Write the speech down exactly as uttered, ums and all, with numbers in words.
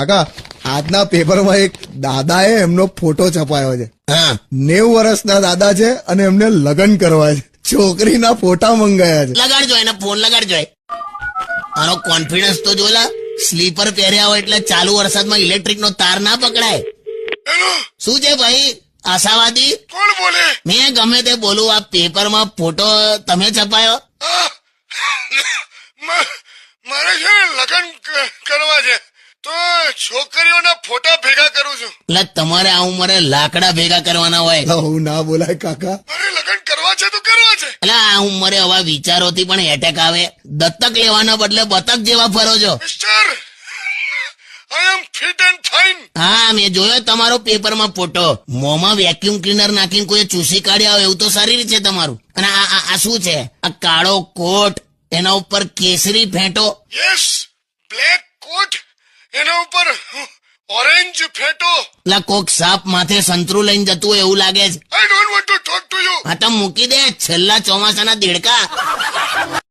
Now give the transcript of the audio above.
કાકા આજના પેપરમાં એક દાદા એ એમનો ફોટો છપાયો છે. હા નેવું વર્ષના દાદા છે અને એમને લગ્ન કરવા છે. છોકરીના ફોટા મંગાયા છે. લગાડજો એને ફોન લગાડજો. આનો કોન્ફિડન્સ તો જોલા. સ્લીપર પહેર્યા હોય એટલે ચાલુ વરસાદમાં ઇલેક્ટ્રિક નો તાર ના પકડાય. શું છે ભાઈ આશાવાદી? કોણ બોલે? મેં ગમે તે બોલું, આ પેપરમાં ફોટો તમે છપાયો? મારે છે ને લગ્ન કરવા છે તો છોકરીઓના ફોટા ભેગા કરું છું. એટલે તમારે આ ઉંમરે લાકડા ભેગા કરવાના હોય? હું ના બોલાય કાકા. મારે લગ્ન કરવા છે તો કરવા છે. એટલે આ ઉંમરે આવા વિચારોથી પણ એટેક આવે. દત્તક લેવાના બદલે બતક જેવા ફરો છો. Mister I am fit and fine. હા મેં જોયો તમારો પેપરમાં ફોટો. મોંમાં વેક્યુમ ક્લીનર નાખીને કોઈ ચૂસી કાઢ્યા હોય એવું તો શરીર છે તમારું. અને આ આ- આ શું છે? આ કાળો કોટ, એના ઉપર કેસરી ફેંટો. યસ, બ્લેક કોટ, એના ઉપર ઓરેન્જ ફેટો. એટલે કોક સાપ માથે સંતરું લઈને જતું હોય એવું લાગે છે. I don't want to talk to you. આ તો મૂકી દે છેલ્લા ચોમાસાના દેડકા.